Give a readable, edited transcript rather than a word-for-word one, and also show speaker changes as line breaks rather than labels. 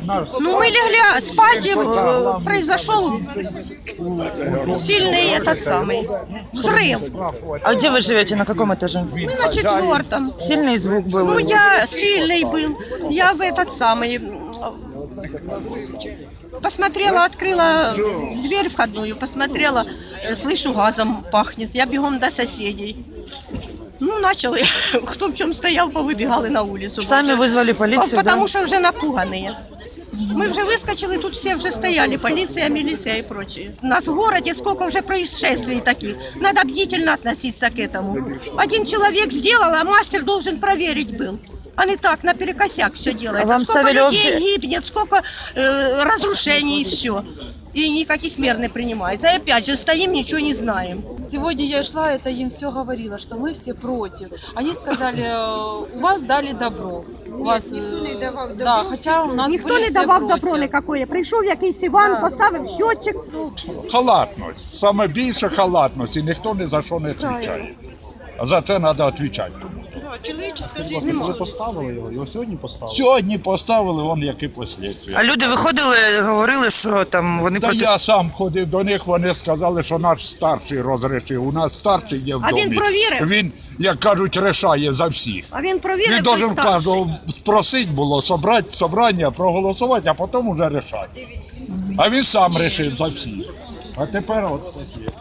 Ну, мы легли спать, и произошел сильный этот самый взрыв.
А где вы живете? На каком этаже?
Мы на 4-м.
Сильный звук был?
Ну, я сильный был. Я в этот самый... Посмотрела, открыла дверь входную, посмотрела, слышу, газом пахнет. Я бегом до соседей. Ну, начали. Кто в чем стоял, повыбегали на улицу.
Сами вызвали полицию,
Потому
да?
что уже напуганные. Мы уже выскочили, тут все уже стояли, полиция, милиция и прочее. У нас в городе сколько уже происшествий таких. Надо бдительно относиться к этому. Один человек сделал, а мастер должен проверить был. А не так, наперекосяк все делается.
А вам
сколько
ставили
людей гибнет, сколько разрушений и все. И никаких мер не принимается. И опять же стоим, ничего не знаем.
Сегодня я шла, это им все говорила, что мы все против. Они сказали, у вас дали добро. У вас,
ніхто не давав добро.
Да, хоча у нас
Ніхто
були
не
всі
давав
проти.
добро никакое. Прийшов якийсь Іван, поставив щотчик.
Халатність. Саме більше халатності. Ніхто ні за що не відповідає. А за це треба відповідати.
Чоловічська життя
Ви
немає.
поставили його сьогодні поставили?
Сьогодні поставили, вон які послідствия.
А люди виходили, говорили, що там вони
Та я сам ходив до них, вони сказали, що наш старший розрішив. У нас старший є в
А
домі.
він провірив?
Він, як кажуть, рішає за всіх.
А він провірив.
Він должен
той старший.
кожного спросити було, собрати собрання, проголосувати, а потім вже рішати. А він сам рішив за всіх. А тепер от такі.